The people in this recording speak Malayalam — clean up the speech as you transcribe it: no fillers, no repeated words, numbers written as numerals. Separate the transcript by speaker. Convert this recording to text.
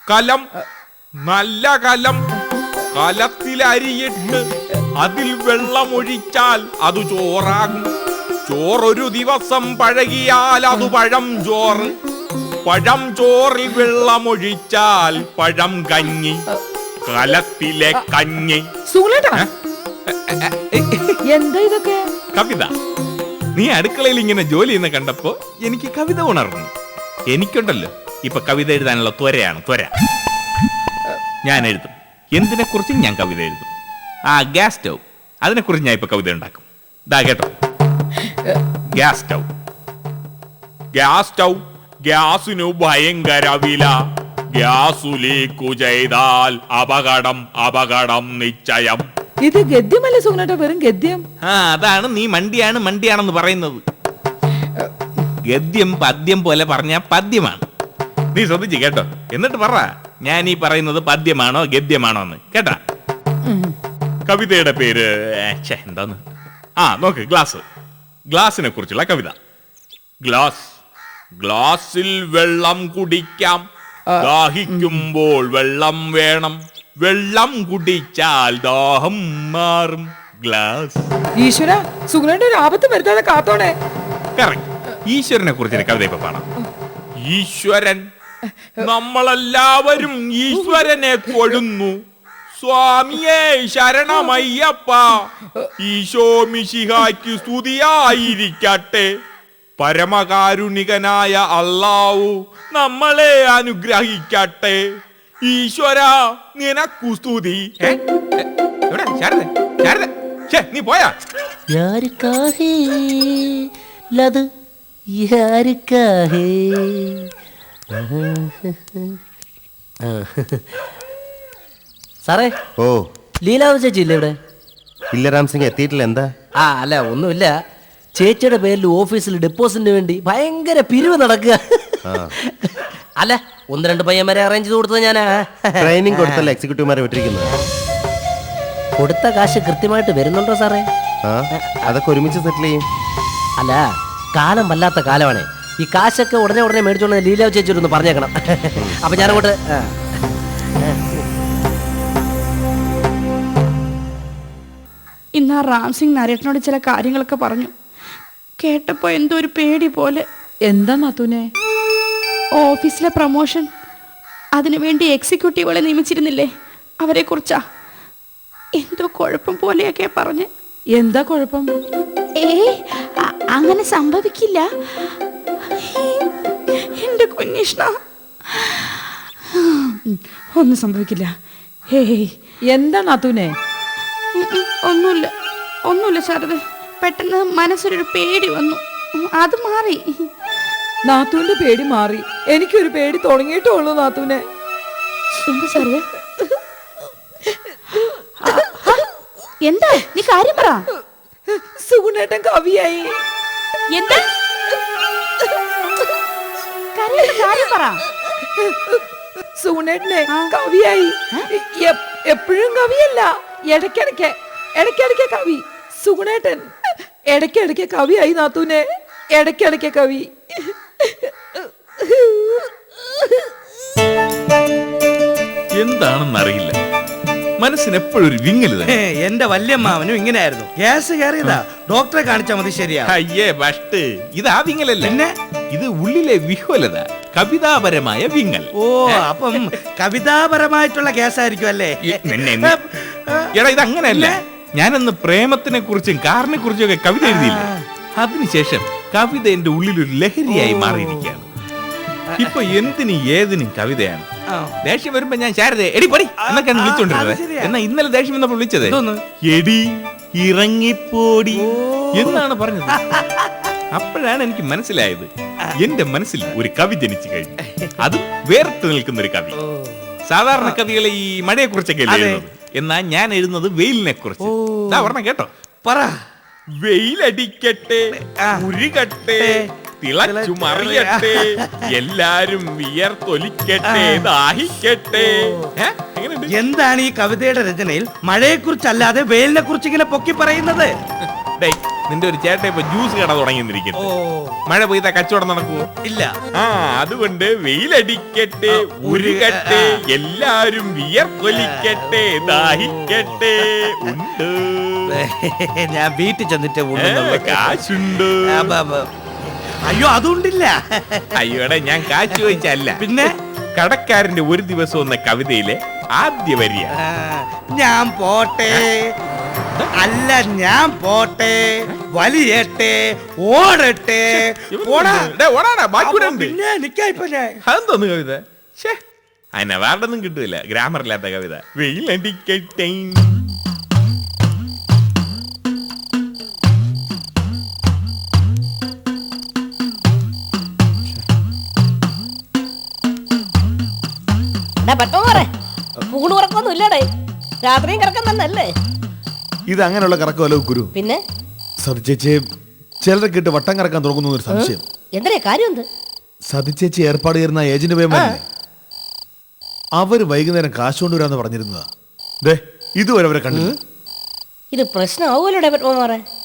Speaker 1: കലം, നല്ല കലം. കലത്തിൽ അരിയിട്ട് അതിൽ വെള്ളമൊഴിച്ചാൽ അത് ചോറാകും. ചോറൊരു ദിവസം പഴകിയാൽ അത് പഴം ചോറ്. പഴം ചോറിൽ വെള്ളമൊഴിച്ചാൽ പഴം കഞ്ഞി. കലത്തിലെ കഞ്ഞി.
Speaker 2: എന്താ ഇതൊക്കെ?
Speaker 1: കവിത. നീ അടുക്കളയിൽ ഇങ്ങനെ ജോലി ചെയ്യുന്ന കണ്ടപ്പോ എനിക്ക് കവിത ഉണർന്നു. എനിക്കുണ്ടല്ലോ ഇപ്പൊ കവിത എഴുതാനുള്ള ത്വരയാണ്, ത്വര. ഞാൻ എഴുതും. എന്തിനെ കുറിച്ചും ഞാൻ കവിത എഴുതും. ആ ഗ്യാസ് സ്റ്റൗ, അതിനെ കുറിച്ച് ഞാൻ ഇപ്പൊ കവിത ഉണ്ടാക്കും. ദാ കേട്ടോ, ഗ്യാസ് സ്റ്റൗ. ഗ്യാസ് സ്റ്റൗ, ഗ്യാസിനു ഭയങ്കര വില. ഗ്യാസു ലീക്കു ചെയ്താൽ അപകടം, അപകടം നിശ്ചയം.
Speaker 2: ഇത് ഗദ്യമല്ലേ സുഗുണേട്ടാ? വെറും ഗദ്യം.
Speaker 1: അതാണ് നീ മണ്ടിയാണെന്ന് പറയുന്നത്. ഗദ്യം പദ്യം പോലെ പറഞ്ഞ പദ്യമാണ്. നീ ശ്രദ്ധിച്ചു കേട്ടോ. എന്നിട്ട് പറ ഞാൻ ഈ പറയുന്നത് പദ്യമാണോ ഗദ്യമാണോ എന്ന് കേട്ടാ. കവിതയുടെ പേര് എന്താന്ന്? നോക്ക്, ഗ്ലാസ്. ഗ്ലാസിനെ കുറിച്ചുള്ള കവിത. ഗ്ലാസ്. ഗ്ലാസിൽ വെള്ളം കുടിക്കാം. ദാഹിക്കുമ്പോൾ വെള്ളം വേണം. വെള്ളം കുടിച്ചാൽ ദാഹം മാറും. ഗ്ലാസ്.
Speaker 2: ഈശ്വര, സുഗുണേട്ട ഒരു ആപത്ത് വരുത്താതെ കാത്തോണേ.
Speaker 1: കറക്റ്റ്. ഈശ്വരനെ കുറിച്ചൊരു കവിത ഇപ്പൊ പാടാം. ഈശ്വരൻ, നമ്മളെല്ലാവരും ഈശ്വരനെ കൊഴുന്നു. സ്വാമിയേ ശരണമയ്യപ്പ. ഈശോ മിശിഹായ്ക്ക് സ്തുതിയായിരിക്കട്ടെ. പരമകാരുണികനായ അല്ലാഹു നമ്മളെ അനുഗ്രഹിക്കട്ടെ. ഈശ്വര നിനക്കു സ്തുതി. നീ പോയാ?
Speaker 3: സാറേ,
Speaker 4: ഓ
Speaker 3: ലീലാവ് ചേച്ചി ഇല്ല ഇവിടെ?
Speaker 4: ഇല്ല രാം സിംഗ്, എത്തിയിട്ടില്ല. എന്താ?
Speaker 3: അല്ല ഒന്നുമില്ല. ചേച്ചിയുടെ പേരിൽ ഓഫീസിൽ ഡെപ്പോസിറ്റിന് വേണ്ടി ഭയങ്കര പിരിവ് നടക്കുക. അല്ല, 1-2 പയ്യന്മാരെ അറേഞ്ച് ചെയ്ത് കൊടുത്തത് ഞാനാ.
Speaker 4: ട്രെയിനിങ് കൊടുത്തല്ല എക്സിക്യൂട്ടീവുമാരെ വിട്ടിരിക്കുന്നത്.
Speaker 3: കൊടുത്ത കാശ് കൃത്യമായിട്ട് വരുന്നുണ്ടോ സാറേ?
Speaker 4: അതൊക്കെ ഒരുമിച്ച് സെറ്റിൽ ചെയ്യും.
Speaker 3: അല്ല, കാലം വല്ലാത്ത കാലമാണ്. ഈ കാശൊക്കെ ഉടനെ മേടിച്ചോണ്ട് ലീലാവ് ചേച്ചിയോടൊന്ന് പറഞ്ഞേക്കണം. അപ്പൊ ഞാനങ്ങോട്ട്.
Speaker 5: ഇന്ന് റാം സിംഗ് നരേട്ടനോട് ചില കാര്യങ്ങളൊക്കെ പറഞ്ഞു. കേട്ടപ്പോ എന്തോ ഒരു പേടി പോലെ.
Speaker 2: എന്താ നാത്തൂനെ?
Speaker 5: ഓഫീസിലെ പ്രൊമോഷൻ, അതിനുവേണ്ടി എക്സിക്യൂട്ടീവുകളെ നിയമിച്ചിരുന്നില്ലേ, അവരെ കുറിച്ചാ. എന്തോ കുഴപ്പം പോലെയൊക്കെ പറഞ്ഞ്.
Speaker 2: എന്താ കുഴപ്പം?
Speaker 5: അങ്ങനെ സംഭവിക്കില്ല എന്റെ കുഞ്ഞിഷ്ണ, ഒന്നും സംഭവിക്കില്ല.
Speaker 2: എന്താ നാത്തൂനെ?
Speaker 5: ഒന്നുമില്ല ശാരദ. പെട്ടെന്ന് മനസ്സിലൊരു പേടി വന്നു, അത് മാറി.
Speaker 2: നാത്തൂന്റെ പേടി മാറി. എനിക്കൊരു പേടി തുടങ്ങിയിട്ടുള്ളൂ നാത്തൂനെ.
Speaker 5: എന്താ ശാരദ? എന്താ? നീ കാര്യം പറ.
Speaker 2: സുഗുണേട്ടൻ കവിയായി.
Speaker 5: എന്താ കാര്യം പറ.
Speaker 2: സുഗുണേട്ടനെ കവിയായി. എപ്പോഴും കവിയല്ല, ഇടയ്ക്കിടയ്ക്ക് കവി. സുഗുണേട്ടൻ ഇടയ്ക്കിടയ്ക്ക് കവിയായി നാത്തൂനെ, ഇടയ്ക്കിടയ്ക്ക് കവി.
Speaker 1: എന്താണെന്നറിയില്ല, മനസ്സിന് എപ്പോഴും ഒരു വിങ്ങല് തന്നെ.
Speaker 6: എന്റെ വല്യമ്മാവനും ഇങ്ങനെയായിരുന്നു. ഗ്യാസ് കയറിയതാ, ഡോക്ടറെ കാണിച്ചാൽ മതി. ശരിയാ?
Speaker 1: അയ്യേ ബസ്റ്റ്, ഇത് ആ വിങ്ങലല്ല. പിന്നെ ഇത് ഉള്ളിലെ വിഹ്വലത, കവിതാപരമായ വിങ്ങൽ.
Speaker 6: ഓ, അപ്പം കവിതാപരമായിട്ടുള്ള ഗ്യാസ് ആയിരിക്കും അല്ലേ?
Speaker 1: എടാ, ഇത് അങ്ങനെയല്ല. ഞാനന്ന് പ്രേമത്തിനെ കുറിച്ചും കാറിനെ കുറിച്ചും ഒക്കെ കവിത എഴുതിയില്ല. അതിനുശേഷം കവിത എന്റെ ഉള്ളിലൊരു ലഹരിയായി മാറിയിരിക്കുകയാണ്. ഇപ്പൊ എന്തിനും ഏതിനും കവിതയാണ്. ദേഷ്യം വരുമ്പോ ഞാൻ ശാരദ എടി പടി എന്നൊക്കെയാണ് വിളിച്ചോണ്ടിരുന്നത്. എന്നാ ഇന്നലെ ദേഷ്യം വന്നപ്പോൾ വിളിച്ചത് എടി ഇറങ്ങിപ്പോടി എന്നാണ് പറഞ്ഞത്. അപ്പോഴാണ് എനിക്ക് മനസ്സിലായത്, എന്റെ മനസ്സിൽ ഒരു കവി ജനിച്ചു കഴിഞ്ഞു. അത് വേറിട്ട് നിൽക്കുന്ന ഒരു കവി. സാധാരണ കവികളെ ഈ മഴയെ കുറിച്ചൊക്കെ എഴുതുന്നത്, എന്നാ ഞാൻ എഴുതുന്നത് വെയിലിനെ കുറിച്ച്. പറഞ്ഞ കേട്ടോ, പറ. വെയിലടിക്കട്ടെ, ഉരുകട്ടെ, തിളച്ചു മറിയട്ടെ, എല്ലാരും വിയർത്തൊലിക്കട്ടെ, ദാഹിക്കട്ടെ.
Speaker 6: എന്താണ് ഈ കവിതയുടെ രചനയിൽ മഴയെ കുറിച്ചല്ലാതെ വെയിലിനെ കുറിച്ച് ഇങ്ങനെ പൊക്കി പറയുന്നത്?
Speaker 1: നിന്റെ ഒരു ചേട്ടൻ ഇപ്പൊ ജ്യൂസ് കട തുടങ്ങിയിരിക്കുന്നു. മഴ പെയ്ത കച്ചവടം നടക്കുവോ?
Speaker 6: ഇല്ല.
Speaker 1: ആ അതുകൊണ്ട് വെയിലടിക്കട്ടെ, ഉരുകട്ടെ, എല്ലാരും വിയർക്കൊലിക്കട്ടെ, ദാഹിക്കട്ടെ. ഉണ്ട്.
Speaker 6: ഞാൻ വീട്ടിൽ ചെന്നിട്ട്
Speaker 1: കാശുണ്ട്.
Speaker 6: അയ്യോ അതുകൊണ്ടില്ല.
Speaker 1: അയ്യോടെ ഞാൻ കാശ് ചോദിച്ചല്ല,
Speaker 6: പിന്നെ
Speaker 1: കടക്കാരന്റെ ഒരു ദിവസം എന്ന കവിതയിലെ ആദ്യ വരിയ.
Speaker 6: ഞാൻ പോട്ടെ, അല്ല ഞാൻ പോട്ടെ, വലിയട്ടെ, ഓടട്ടെ. പിന്നെ നിക്കായിപ്പോ ഞാൻ
Speaker 1: അതെന്തോന്ന് കവിത? അതിന് അവാർഡൊന്നും കിട്ടൂല, ഗ്രാമർ ഇല്ലാത്ത കവിത. വെയിലടിക്കട്ടെ.
Speaker 7: ൂണുറക്കൊന്നും ഇല്ലടേ, രാത്രിയും കിടക്കാൻ തന്നല്ലേ.
Speaker 8: ഇത് അങ്ങനെയുള്ള കറക്കമല്ലോ ഗുരു.
Speaker 7: പിന്നെ
Speaker 8: സതിച്ചേച്ചി ചിലരെ കിട്ട് വട്ടം കറക്കാൻ തുടങ്ങുന്ന ഒരു സംശയം.
Speaker 7: എന്തിനാ കാര്യം? എന്ത്?
Speaker 8: സതിച്ചേച്ചി ഏർപ്പാട് ചെയ്യുന്ന ഏജന്റ് പേമാരില്ലേ, അവര് വൈകുന്നേരം കാശ് കൊണ്ടുവരാന്ന് പറഞ്ഞിരുന്നതാ. ദേ ഇതുവരെ അവരെ കണ്ടില്ല.
Speaker 7: ഇത് പ്രശ്നമാവൂലോടെ പത്മമാറേ.